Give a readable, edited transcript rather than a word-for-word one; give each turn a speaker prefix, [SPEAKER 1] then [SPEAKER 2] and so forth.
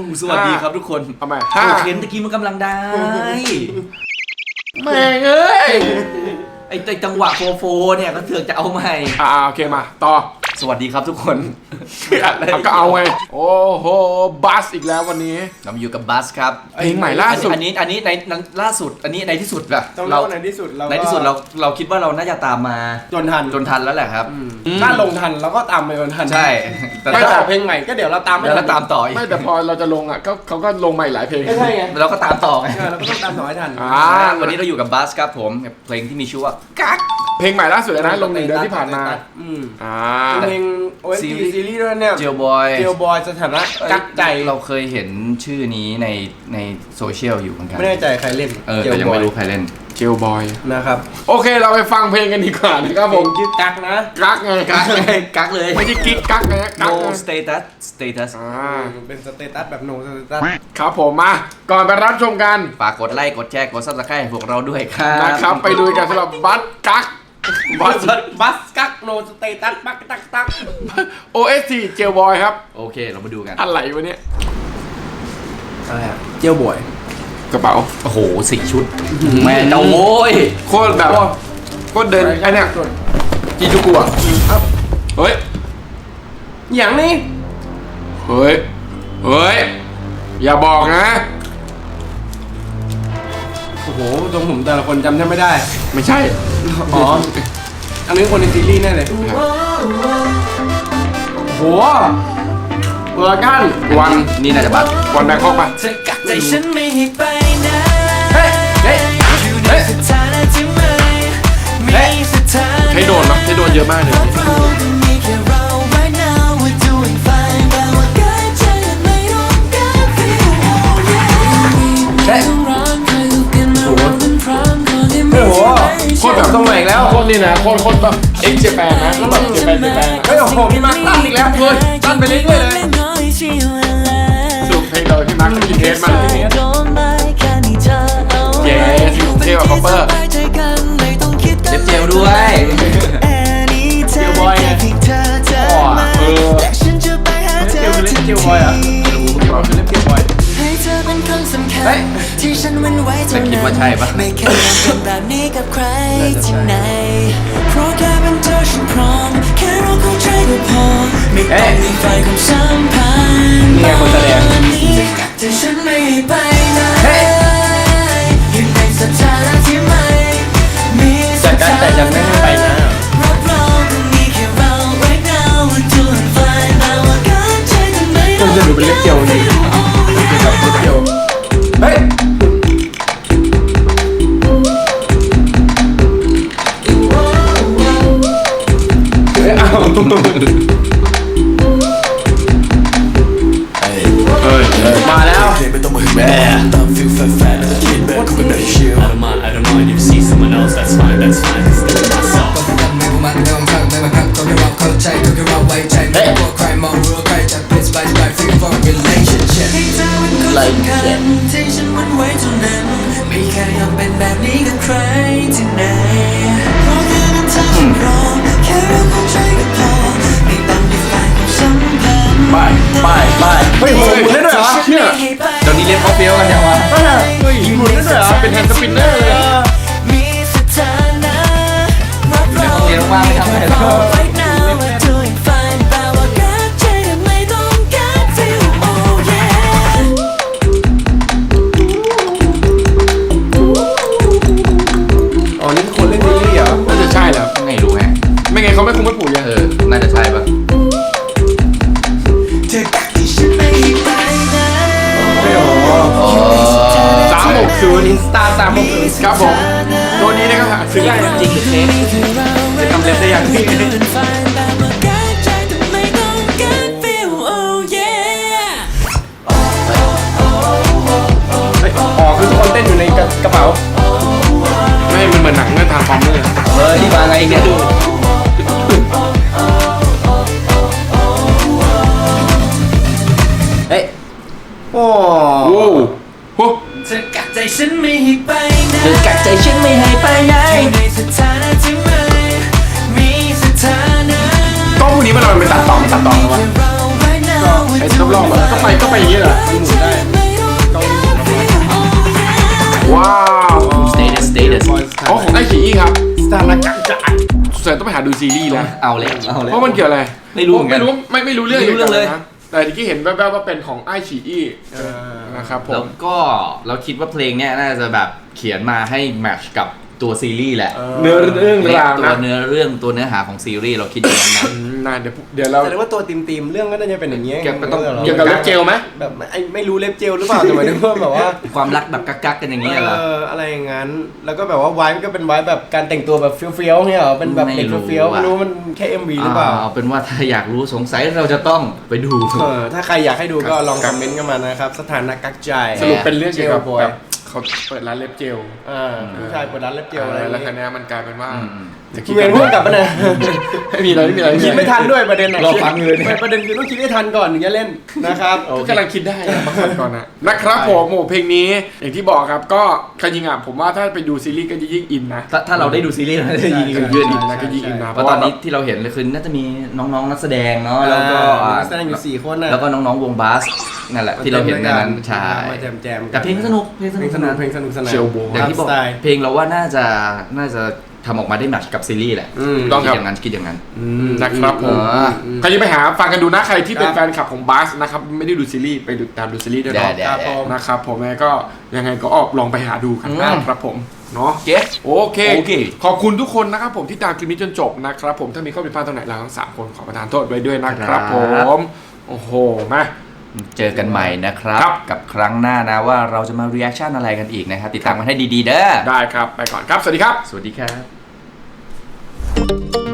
[SPEAKER 1] สวัสดีครับทุกคน
[SPEAKER 2] ทำไม
[SPEAKER 1] เห็นตะกี้มันกำลังได้
[SPEAKER 2] แม่งเอ้ย
[SPEAKER 1] ไอ้จังหวะโฟเนี่ยก็เถือกจะเอาใหม่
[SPEAKER 2] โอเคมาต่อ
[SPEAKER 1] สวัสดีครับทุกคน
[SPEAKER 2] ก็เอาไงโอ้โหบัสอีกแล้ววันนี้
[SPEAKER 1] เราอยู่กับบัสครับ
[SPEAKER 2] เพลงใหม่ล่าสุด
[SPEAKER 1] อันนี้ในล่าสุดอันนี้ในที่สุดแบบ
[SPEAKER 3] เราในที่สุด
[SPEAKER 1] เราคิดว่าเราน่าจะตามมา
[SPEAKER 3] จนทัน
[SPEAKER 1] แล้วแหละครับ
[SPEAKER 3] ถ้าลงทันเราก็ตามไปจนทัน
[SPEAKER 1] ใช่
[SPEAKER 3] แต่ถ้าเพลงใหม่ก็เดี๋ยวเราตาม
[SPEAKER 1] ต่อ
[SPEAKER 2] ไม่แต่พอเราจะลงอ่ะเขาก็ลงใหม่หลายเพลง
[SPEAKER 3] ใช่ไง
[SPEAKER 1] เราก็ตามต่อไง
[SPEAKER 3] เราก็ต้องตามต่อให้ทัน
[SPEAKER 1] วันนี้เราอยู่กับบัสครับผมเพลงที่มีชื่อว่ากั๊ก
[SPEAKER 2] เพลงใหม่ล่าสุดนะลง1 เดือนที่ผ่านมา
[SPEAKER 3] เพลง OST ซีรีส์ด้วยเนี่ย
[SPEAKER 1] เจลบอย
[SPEAKER 3] สถานะกักใจ
[SPEAKER 1] เราเคยเห็นชื่อนี้ในโซเชียลอยู่เหมือนกัน
[SPEAKER 3] ไม่แน่ใจใครเล่น
[SPEAKER 1] แต่ยังไม่รู้ใครเล่น
[SPEAKER 2] เจลบอย
[SPEAKER 3] นะครับ
[SPEAKER 2] โอเคเราไปฟังเพลงกันดีกว่านะครับผม
[SPEAKER 3] ชื่อกักนะ
[SPEAKER 2] กักไง
[SPEAKER 1] กักเลย
[SPEAKER 2] ไม่ใช่กิ๊กกักไง
[SPEAKER 1] no status
[SPEAKER 3] เป็นสเตตัสแบบ no status
[SPEAKER 2] ครับผมมาก่อนไปรับชมกัน
[SPEAKER 1] ฝากกดไลค์กดแชร์กด Subscribe พวกเราด้วยครับ
[SPEAKER 2] นะครับไปดูกันสำหรับบัสกัก
[SPEAKER 3] บัสกัก no status บักตัก
[SPEAKER 2] OST เจลบอยครับ
[SPEAKER 1] โอเคเรามาดูกัน
[SPEAKER 2] อะไรวะเนี่ย
[SPEAKER 3] อะไรอะเจลบอย
[SPEAKER 2] กระเป๋า
[SPEAKER 1] โอ้โห4 ชุดแม่เจ้าโว้ย
[SPEAKER 2] โคตรแบบโคตรเดินไอเนี่ยจีจูกุอ่ะเฮ้ย
[SPEAKER 3] อย่างนี้
[SPEAKER 2] เฮ้ยอย่าบอกนะ
[SPEAKER 3] โอ้โหตรงผมแต่ละคนจำแทบไม่ได้
[SPEAKER 2] ไม่ใช่
[SPEAKER 3] อันนี้คนในซีรีส์แน่เลยโหเวอร์กัน
[SPEAKER 2] วัน
[SPEAKER 1] นี่น่าจะบัตร
[SPEAKER 2] วันแบงคอกป่ะใช้โดนนะใช้โดนเยอะมากเลย
[SPEAKER 3] โคตรแบบต้องใหม่อีกแล้ว
[SPEAKER 2] โคตรนี่นะโคตรแบบเอ็กเจแปนนะแบบเจแปน
[SPEAKER 3] เฮ้ยโอ้โหพี่มาร์คตั้นอีกแล้วเลยตั้นไปเรื่อยๆเลย
[SPEAKER 2] สุดเพลงเลยพี่มาร์คกินเทสมาเลยเย้เท่กว่าคอปเปอร์
[SPEAKER 1] เล็บเจลด้วย
[SPEAKER 3] เจลบอยไง
[SPEAKER 2] เจลคือเล่นเจลบอยอ่ะ
[SPEAKER 3] คือเล่นเจลบอย
[SPEAKER 1] เฮ้ยจะคิดว่าใช่ปะ
[SPEAKER 4] ไม่เคยเป็นแบบนี้กับใครที่ไหนเพราะแค่เป็นเธอฉันพร้อมแค่เราเข้าใจก็พอไม่ต้องมีไฟของสัมพันธ์
[SPEAKER 3] นี่คนแสดง
[SPEAKER 4] แต่ฉันไม่ไปไหนยังในสถานะที่ไม่มี
[SPEAKER 3] แต่กันแต่ยังไม่ไปนะคุณจะดูเป็นเล็บเจียวนี่กับเล็บเจียวเฮ้ยมาแล้วแม่
[SPEAKER 4] ที่ฉันวันไว้เท่านั้นไม่แค่ยอมเป็นแบบนี้กับใครที่ไหนเพราะแค่เป็นเธอฉันพร้อมแค่เราเข้าใจก็พอไม่ต้องมีไฟของสัมพันธ์
[SPEAKER 3] ไปเฮ้ยหมุนได้ด้วยเหรอ
[SPEAKER 2] เชื่อ
[SPEAKER 1] ตอนนี้เล่นเขาเฟี้ยวกันอย่างวะ
[SPEAKER 3] เฮ้ยหมุนได้ด้วยเหรอ
[SPEAKER 2] เป็นแฮนด์สปินเนอร์เลย
[SPEAKER 4] มีสถานะรับรอง
[SPEAKER 1] เรียนว่างไม่ทำอะไรหรอก
[SPEAKER 2] ไม่ไงเขาไม่คงไม่ปลูกยัง
[SPEAKER 1] น่าจะใช่ปะ
[SPEAKER 3] 360อินสตา360
[SPEAKER 2] ครับผมตัวนี้นะครับซื้อได้
[SPEAKER 1] จริงเทส
[SPEAKER 3] จะทำเล็บได้อย่างนี้คือคนเต้นอยู่ในกระเป๋า
[SPEAKER 2] ไม่มันเหมือนหนังเรื่องทางฟอร์มเลย
[SPEAKER 1] นี่มาไงเนี่ยดูเฮ้ย
[SPEAKER 3] โอ้
[SPEAKER 2] โห
[SPEAKER 4] เธอกักใจฉันไม่ให้ไปไหน
[SPEAKER 1] เธอกักใจฉันไม่ให้ไปไหน
[SPEAKER 4] ในสถานะที่ไม่มีสถานะ
[SPEAKER 2] ก็พวกนี้มันเป็นตัดต่อกันวะไอ้รอบๆอะก็ไปอย่างนี้เหรอ
[SPEAKER 3] หมุนได้กล้อง
[SPEAKER 2] ว้าว
[SPEAKER 5] status
[SPEAKER 2] อ๋อของไอฉีครับ
[SPEAKER 3] สถานการณ์จะ
[SPEAKER 2] สงสัยต้องไปหาดูซีรีส์แล้ว
[SPEAKER 5] เอาเลย
[SPEAKER 2] เพราะมันเกี่ยวอะไร
[SPEAKER 5] ไม่รู้เหมือนกัน
[SPEAKER 2] ไม่รู้เรื่อง
[SPEAKER 5] ไม่รู้เรื่องเลย
[SPEAKER 2] นะแต่ที่เห็นแว่วๆว่าเป็นของไอฉีนะครับผ
[SPEAKER 5] แล้ว
[SPEAKER 2] ม
[SPEAKER 5] ก็เราคิดว่าเพลงเนี้ยน่าจะแบบเขียนมาให้แมทช์กับตัวซีรีส์แหละ
[SPEAKER 2] เนื้อเรื่องราว
[SPEAKER 5] ตัว
[SPEAKER 2] นะ
[SPEAKER 5] เนื้อเรื่องตัวเนื้อหาของซีรีส์เราคิดอย่างนั้นนะ
[SPEAKER 2] น่าเดี๋ยวเรา
[SPEAKER 3] แสดงว่าตัวทีมเรื่องก็น่าจะเป็นอย่างเงี้ย
[SPEAKER 2] เกี่ยวกับเล็บเจลไหม
[SPEAKER 3] แบบไม่รู้เล็บเจลหรือเปล่าแต่หมายถึงว่าแบบว่า
[SPEAKER 5] ความรักแบบกักๆกันอย่างเงี้ยเหรอ
[SPEAKER 3] อะไรอย่างงั้นแล้วก็แบบว่าไวท์ก็เป็นไวท์แบบการแต่งตัวแบบเฟี้ยวๆเนี่ยเหรอเป็นแบบเด็กเฟี้ยวๆไม่รู้มันแค่ MV หรือเปล่า
[SPEAKER 5] เอาเป็นว่าถ้าอยากรู้สงสัยเราจะต้องไปดู
[SPEAKER 3] ถ้าใครอยากให้ดูก็ลองคอมเมนต์กันมานะครับสถานะกักใจ
[SPEAKER 2] สรุปเป็นเรื่องเกี่ยวกับ
[SPEAKER 3] บอย
[SPEAKER 2] แบบเขาเปิดร้านเล็บเจล
[SPEAKER 3] ผู้ชายเปิดร้านเล็บเจลอะไร
[SPEAKER 2] แล้วคันนี้มันกลายเป็นว่าจะ
[SPEAKER 3] คุณเวรพูดกลับมาเนี่ย
[SPEAKER 2] ไม่มีอะไร
[SPEAKER 3] คิดไม่ทันด้วยประเด็น
[SPEAKER 5] รอฟังเลย
[SPEAKER 3] ประเด็นคือต้องคิดให้ทันก่อนถึงจะเล่นนะครับ
[SPEAKER 2] ก็กำลังคิดได้มาฟังก่อนนะครับผมโอ้เพลงนี้อย่างที่บอกครับก็จริงๆผมว่าถ้าไปดูซีรีส์ก็จะยิ่งอินนะ
[SPEAKER 5] ถ้าเราได้ดูซีรีส์เราจะยิงกันเยอะดี
[SPEAKER 2] แล้วก็ยิ่งอินนะ
[SPEAKER 5] เพราะตอนนี้ที่เราเห็นเลยคือน่าจะมีน้องๆนักแสดงเนาะแล้วก็
[SPEAKER 3] นักแสดงอยู่4คนน่ะ
[SPEAKER 5] แล้วก็น้องๆวงบาสนั่นแหละที่เราเห็นในนั้นใช่
[SPEAKER 3] มาแจมๆ
[SPEAKER 5] แต่เพลงสนุกเพลงสนุกสนาน
[SPEAKER 3] เพลงสนุกสนาน
[SPEAKER 2] เชลโบ
[SPEAKER 5] อย่างที่บอก
[SPEAKER 3] ตามสไตล์
[SPEAKER 5] เพลงเราว่าน่าจะทำออกมาได้แมทช์กับซีรีส์แหละ
[SPEAKER 2] ต้องครับ
[SPEAKER 5] คิดอย่างนั้น
[SPEAKER 2] นะครับผมใครจะไปหาฟังกันดูนะใครที่เป็นแฟนคลับของบาสนะครับไม่ได้ดูซีรีส์ไปดูตามดูซีรีส์ด้วยเนาะ
[SPEAKER 5] ได้
[SPEAKER 3] ครับผม
[SPEAKER 2] นะครับผมยังไงก็ลองไปหาดูกันนะครับผมเนาะ
[SPEAKER 5] เก็ต
[SPEAKER 2] โอเคขอบคุณทุกคนนะครับผมที่ตามคลิปนี้จนจบนะครับผมถ้ามีข้อผิดพลาดตรงไหนเราทั้ง3คนขอประทานโทษไว้ด้วยนะครับผมโอ้โหมา
[SPEAKER 5] เจอกันใหม่นะครับ
[SPEAKER 2] ครับ
[SPEAKER 5] กับครั้งหน้านะว่าเราจะมา reaction อะไรกันอีกนะครับติดตามกันให้ดีๆเด้อ
[SPEAKER 2] ได้ครับไปก่อนครับสวัสดีครับ
[SPEAKER 5] สวัสดีครับ